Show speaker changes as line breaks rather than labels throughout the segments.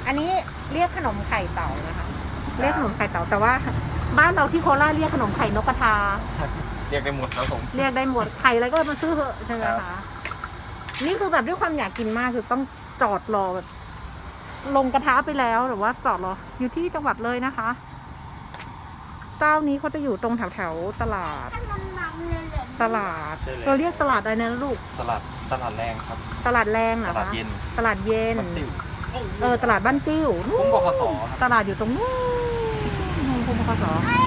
อันนี้เรียกขนมไข่เต่านะคะ เรียกขนมไข่เต่าแต่ว่าบ้านเราที่โคราชเรียกขนมไข่นกกระทา
เรียกได้หมดครับผม
เรียกได้หมดไข่อะไรก็มาซื้อเถอะใช่ไหม
ครั
คะ
บ
นี่คือแบบด้วยความอยากกินมากคือต้องจอดรอแบบลงกระทะไปแล้วหรือว่าจอดรออยู่ที่จังหวัดเลยนะคะ เจ้านี้เขาจะอยู่ตรงแถวตลาด ตลาดเราเรียกตลาดอะไรนะลูก
ตลาดแรงครับ
ตลาดแรงเหร
ต
อ
ลาด
คะ
เย็น
ตลาดเย็น
บ้านติ๋ว
ตลาดบ้านติ้ว
คุ้มบขสครับ
ตลาดอยู่ตรงนู้นคุ้มบขส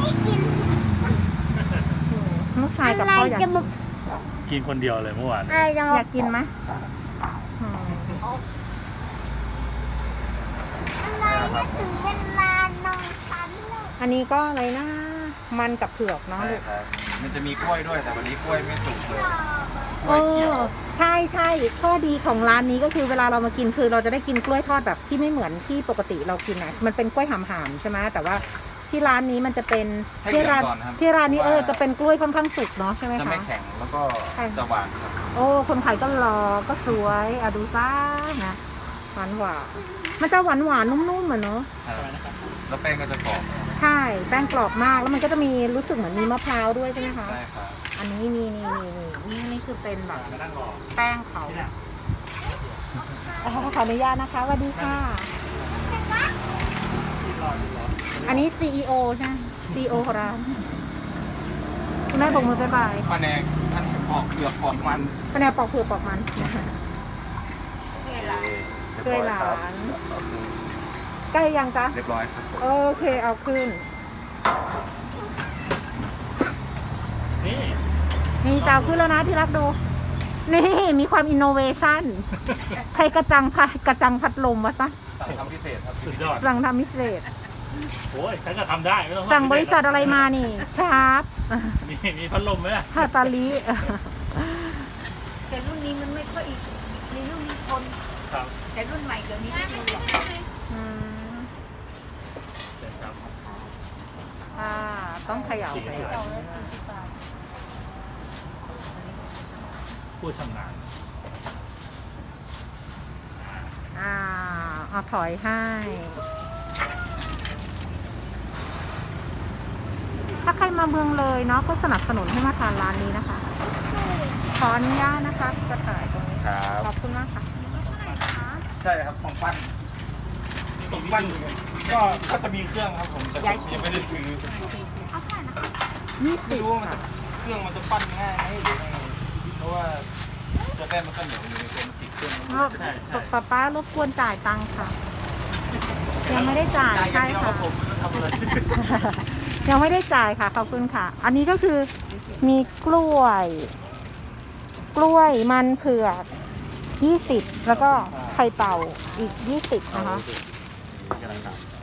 ลูกชายกับพ่ออยาก
กินคนเดียวเลยเมื่อวาน
อยากกินไหมอืม
ถึงเวลานอนชั้นเลย
อันนี้ก็อะไรนะมันกับเผือกเนาะ
ใช่
ลูก
ครับมันจะมีกล้วยด้วยแต่วันนี้กล้วยไม่สุกเลยก
เอ
ล้วยเขียว
อใช่ใช่ข้อดีของร้านนี้ก็คือเวลาเรามากินคือเราจะได้กินกล้วยทอดแบบที่ไม่เหมือนที่ปกติเรากินนะมันเป็นกล้วยหำๆใช่ไหมแต่ว่าที่ร้านนี้มันจะเป็น
ให้
ที่
เหลือ
ร้าน
งก่อนครับ
ที่ร้านนี้จะเป็นกล้วยค่อนข้างสุกเนาะใช่ไหม
จะ
คะ
ไม่แข็งแล้วก็
ใช่
จะหวานครับ
โอ้คนขายก็รอก็สวยดูซ่านะหวานหวานมันจะหวานหวานนุ่มๆเหมือนเนาะ
แล้วแป้งก็จะกรอบ
ใช่แป้งกรอบมากแล้วมันก็จะมีรู้สึกเหมือนมีมะพร้าวด้วยใช่ไหมคะ
ใช่ครับ
อันนี้นี่คือเป็นแบบ
มานั่งรอ
แป้งเขาขออนุญาตนะคะสวัสดีค่ะ อันนี้ CEO ใช่ไหม CEO ของร้านคุณแม่บอกมือบ๊ายบาย
แผนกปอกเปลือกปอกมัน
คะแนนปอกเผือกปอกมันช่วยหลานใกล้ยังจ๊ะ
เรียบร้อยครับผม
โอเคเอาขึ้น
นี่
นี่จะเอาขึ้นแล้วนะที่รักดู นี่มีความอินโนเวชันใช้กระจังพัดลมวะซะ
สั่งทำพิเศษครับ
สุดยอด
สั่งทำพิเศษ
โอ้ยฉันก็ทำได้ไม่ต้อง
สั่งบริษัทอะไรมานี่ชาร์ป
มีพัดลมไหมอะ
ฮาตาลิ
แต่รุ่นนี้มันไม่ค่อยมีรุ่นมีคน
ครับ
แต่รุ่นใหม่เดี๋ยวนี้ไม่มีหรอก
อืม
เชิญครับ
ต้องเขย่าไป
ผู้ชำนาญ
เอาถอยให้ ถ้าใครมาเมืองเลยเนาะก็สนับสนุนให้มาทานร้านนี้นะคะ ขออนุญาตนะคะจะถ่ายตรงนี้
ครับ
ขอบคุณมากค่ะ
ใช่ครับของปั้นก็จะมีเครื่องครับผมแต่ผมยังไม่ได้ซื้อ
ยี่
ไม่
สิบ
รู้ว่ามันจะเครื่องมันจะปั้นง่ายไหมหรือยังไงเพราะว่าจะแป้งมันก็เหนียวอยู่ในตัวมันติดเครื่องมัน
ป้ารบกวนจ่ายตังค์ค่ะ ยังไม่ได้จ่าย
จ่ายอย่าง
ใช่
เดียวค
ค่ะ
รับผมไม่ต้องทำอะไร
ยังไม่ได้จ่ายค่ะขอบคุณค่ะ อันนี้ก็คือมีกล้วยมันเผือก20แล้วก็ไข่เต่าอีก20นะคะ
กำลังทำ